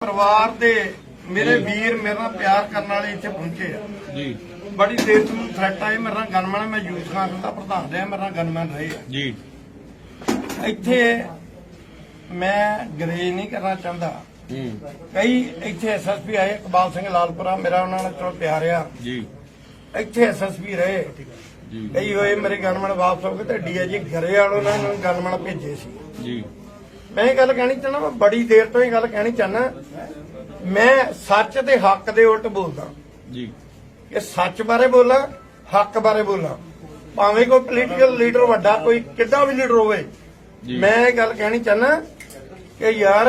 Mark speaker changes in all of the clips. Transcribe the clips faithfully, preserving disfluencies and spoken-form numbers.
Speaker 1: परिवार दे मेरे वीर मेरे नाल प्यार करने वाले इत्थे पहुंचे आ
Speaker 2: जी।
Speaker 1: बड़ी देर तो थ्रैट आए मेरे नाल गनमैन मैं यूथ कांग्रेस का प्रधान रहा मेरे नाल गनमैन रहे आ
Speaker 2: जी।
Speaker 1: इत्थे मैं गरेज नहीं करना चाहता। कई इत्थे एस एस पी आए इकबाल सिंह लालपुरा मेरा उन्होंने चलो प्यार आ
Speaker 2: जी।
Speaker 1: इत्थे एस एस पी रहे कई होए मेरे गनमैन वापस हो गए तो डी आई जी घरे वालों ने गनमैन भेजे सी
Speaker 2: जी।
Speaker 1: मैं ये गल कहनी चाहना मैं बड़ी देर तो ये गल कहनी चाहना मैं सच दे हक दे उल्ट बोलदा
Speaker 2: जी।
Speaker 1: कि सच बारे बोला हक बारे बोला भावें कोई पोलीटिकल लीडर वड्डा कोई किड्डा भी लीडर होवे मैं ये गल कहनी चाहना कि यार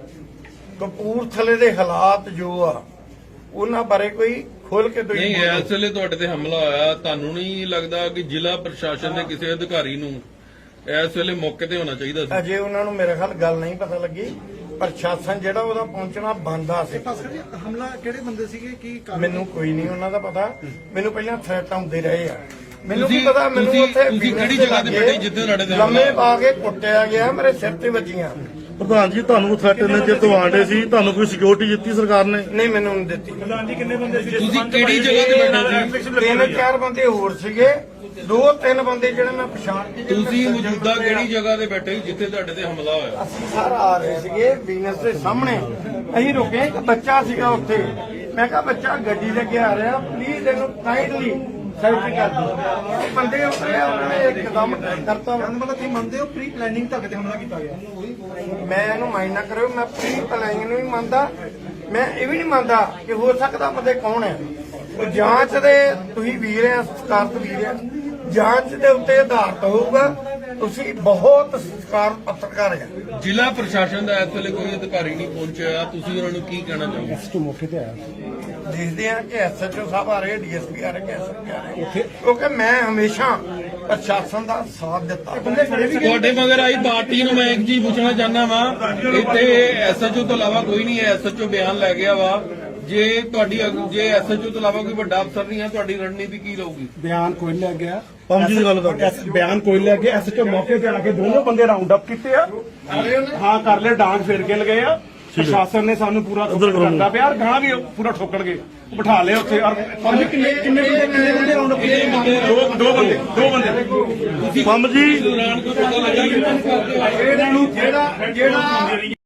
Speaker 1: कपूरथले दे हालात जो आ उन्हां बारे कोई खोल के
Speaker 2: नहीं इस वेले तुहाडे ते हमला होया तानू नहीं लगदा कि जिला प्रशासन दे किसी अधिकारी नू इस वेले मौके ते होना चाहिए सी?
Speaker 1: अजे उन्हां नू मेरे ख्याल गल नहीं पता लगी प्रशासन ਜਿਹੜਾ ਉਹਦਾ ਪਹੁੰਚਣਾ ਬੰਦਾ ਸੀ।
Speaker 3: ਹਮਲਾ ਕਿਹੜੇ ਬੰਦੇ ਸੀਗੇ ਕੀ
Speaker 1: ਮੈਨੂੰ ਕੋਈ ਨਹੀਂ ਉਹਨਾਂ ਦਾ ਪਤਾ ਮੈਨੂੰ ਪਹਿਲਾਂ ਥ੍ਰੈਟ ਆਉਂਦੇ ਰਹੇ ਆ ਮੈਨੂੰ ਕੀ ਪਤਾ ਮੈਨੂੰ ਉੱਥੇ
Speaker 2: ਤੁਸੀਂ ਕਿਹੜੀ ਜਗ੍ਹਾ ਤੇ ਬੈਠੇ ਜਿੱਥੇ ਤੁਹਾਡੇ ਤੇ
Speaker 1: ਲੰਮੇ ਪਾ ਕੇ ਕੁੱਟਿਆ ਗਿਆ ਮੇਰੇ ਸਿਰ ਤੇ ਵੱਜੀਆਂ।
Speaker 4: ਪ੍ਰਧਾਨ ਜੀ ਤੁਹਾਨੂੰ ਥ੍ਰੈਟ ਨੇ ਜੇ ਤੋਂ ਆਂਡੇ ਸੀ ਤੁਹਾਨੂੰ ਕੋਈ ਸਿਕਿਉਰਿਟੀ ਦਿੱਤੀ ਸਰਕਾਰ ਨੇ?
Speaker 1: ਨਹੀਂ ਮੈਨੂੰ ਨਹੀਂ ਦਿੱਤੀ।
Speaker 3: ਪ੍ਰਧਾਨ ਜੀ ਕਿੰਨੇ ਬੰਦੇ ਸੀ
Speaker 2: ਤੁਸੀਂ ਕਿਹੜੀ ਜਗ੍ਹਾ ਤੇ ਬੈਠੇ ਸੀ?
Speaker 1: ਤਿੰਨ ਚਾਰ ਬੰਦੇ ਹੋਰ ਸੀਗੇ ਦੋ ਤਿੰਨ ਬੰਦੇ ਜਿਹੜੇ ਮੈਂ ਪਛਾਣ ਕੇ
Speaker 2: ਤੁਸੀਂ ਮੌਜੂਦਾ ਕਿਹੜੀ ਜਗ੍ਹਾ ਤੇ ਬੈਠੇ ਸੀ ਜਿੱਥੇ ਤੁਹਾਡੇ ਤੇ ਹਮਲਾ ਹੋਇਆ?
Speaker 1: ਅਸੀਂ ਸਾਰ ਆ ਰਹੇ ਸੀਗੇ ਬਿਜ਼ਨਸ ਦੇ ਸਾਹਮਣੇ ਅਸੀਂ ਰੁਕੇ ਇੱਕ ਬੱਚਾ ਸੀਗਾ ਉੱਥੇ ਮੈਂ ਕਿਹਾ ਬੱਚਾ ਗੱਡੀ ਲੈ ਕੇ ਆ ਰਿਹਾ ਪਲੀਜ਼ ਇਹਨੂੰ ਕਾਈਂਡਲੀ ਸਾਈਡ ਕਰ ਦਿਓ। ਉਹ ਬੰਦੇ ਉਤਰੇ ਉਹਨਾਂ ਨੇ ਇੱਕਦਮ ਕਰਤਾ
Speaker 3: ਮਤਲਬ ਤੁਸੀਂ ਮੰਨਦੇ ਹੋ ਪ੍ਰੀ ਪਲੈਨਿੰਗ ਤੁਹਾਡੇ ਤੇ ਹਮਲਾ ਕੀਤਾ ਗਿਆ?
Speaker 1: ਮੈਂ ਇਹਨੂੰ ਮਾਈਂਡ ਨਾ ਕਰਿਓ ਮੈਂ ਪ੍ਰੀ ਪਲਾਈਂਗ ਨੂੰ ਵੀ ਮੰਨਦਾ ਮੈਂ ਇਹ ਵੀ ਨਹੀਂ ਮੰਨਦਾ ਕਿ ਹੋ ਸਕਦਾ ਬੰਦੇ ਕੌਣ ਹੈ ਉਹ ਜਾਂਚ ਦੇ ਤੁਸੀਂ ਵੀਰ ਆ ਸਤਿਕਾਰਤ ਵੀਰ ਆ ਜਾਂਚ ਦੇ ਉੱਤੇ ਆਧਾਰਿਤ ਹੋਊਗਾ ਤੁਸੀਂ ਬਹੁਤ ਸਤਿਕਾਰ ਪੱਤਰਕਾਰ ਆ।
Speaker 2: ਜ਼ਿਲ੍ਹਾ ਪ੍ਰਸ਼ਾਸਨ ਦਾ ਇਸ ਵੇਲੇ ਕੋਈ ਅਧਿਕਾਰੀ ਨਹੀਂ ਪਹੁੰਚਿਆ ਤੁਸੀਂ ਉਹਨਾਂ ਨੂੰ ਕੀ ਕਹਿਣਾ ਚਾਹੋਗੇ?
Speaker 3: ਮੌਕੇ ਤੇ ਆਇਆ
Speaker 1: ਦੇਖਦੇ ਆ ਕਿ ਐਸ ਐਚ ਓ ਸਾਹਿਬ ਆ ਰਹੇ ਡੀ ਐਸ ਪੀ ਆ ਰਹੇ ਕਿ ਐਸ ਪੀ ਆ ਰਹੇ ਕਿਉਂਕਿ ਮੈਂ ਹਮੇਸ਼ਾ ਪ੍ਰਸ਼ਾਸਨ ਦਾ ਸਾਥ ਦਿੱਤਾ।
Speaker 2: ਤੁਹਾਡੇ ਮਗਰ ਆਈ ਪਾਰਟੀ ਨੂੰ ਮੈਂ ਇੱਕ ਚੀਜ਼ ਪੁੱਛਣਾ ਚਾਹੁੰਦਾ ਵਾਂ ਇੱਥੇ ਐਸ ਐਚ ਓ ਤੋਂ ਇਲਾਵਾ ਕੋਈ ਨਹੀਂ ਹੈ। ਐਸ ਐਚ ਓ ਬਿਆਨ ਲੈ ਗਿਆ ਵਾ ਜੇ ਤੁਹਾਡੀ ਜੇ ਐਸ ਐਚ ਓ ਤੋਂ ਇਲਾਵਾ ਕੋਈ ਵੱਡਾ ਅਫਸਰ ਨਹੀਂ ਹੈ ਤੁਹਾਡੀ ਰਣਨੀਤੀ ਕੀ ਰਹੂਗੀ?
Speaker 3: ਬਿਆਨ ਕੋਈ ਲੈ ਗਿਆ
Speaker 4: ਪੰਜ ਦੀ ਗੱਲ ਕਰ
Speaker 3: ਬਿਆਨ ਕੋਈ ਲੈ ਗਿਆ ਐਸਐਚਓ ਮੌਕੇ ਤੇ ਆ ਕੇ ਦੋਨੋਂ ਬੰਦੇ ਰਾਉਂਡ ਅਪ ਕੀਤੇ ਆ ਹਾਂ ਕਰ ਲੈ ਡਾਂਗ ਫੇਰ ਕੇ ਲਗਏ ਆ ਪ੍ਰਸ਼ਾਸਨ ਨੇ ਸਾਨੂੰ ਪੂਰਾ ਕਰਦਾ ਪਿਆ ਗਾਂ ਵੀ ਪੂਰਾ ਠੋਕਣਗੇ ਬਿਠਾ ਲਏ ਉੱਥੇ ਔਰ ਕਿੰਨੇ ਕਿੰਨੇ ਕਿੰਨੇ ਬੰਦੇ ਰਾਉਂਡ ਅਪ ਕੀਤੇ ਦੋ ਦੋ ਬੰਦੇ ਦੋ ਬੰਦੇ
Speaker 4: ਪੰਮ ਜੀ
Speaker 2: ਦੌਰਾਨ ਕੋਈ ਪਤਾ ਲੱਗਾ ਕਿ
Speaker 1: ਇਹਨਾਂ ਨੂੰ ਜਿਹੜਾ ਜਿਹੜਾ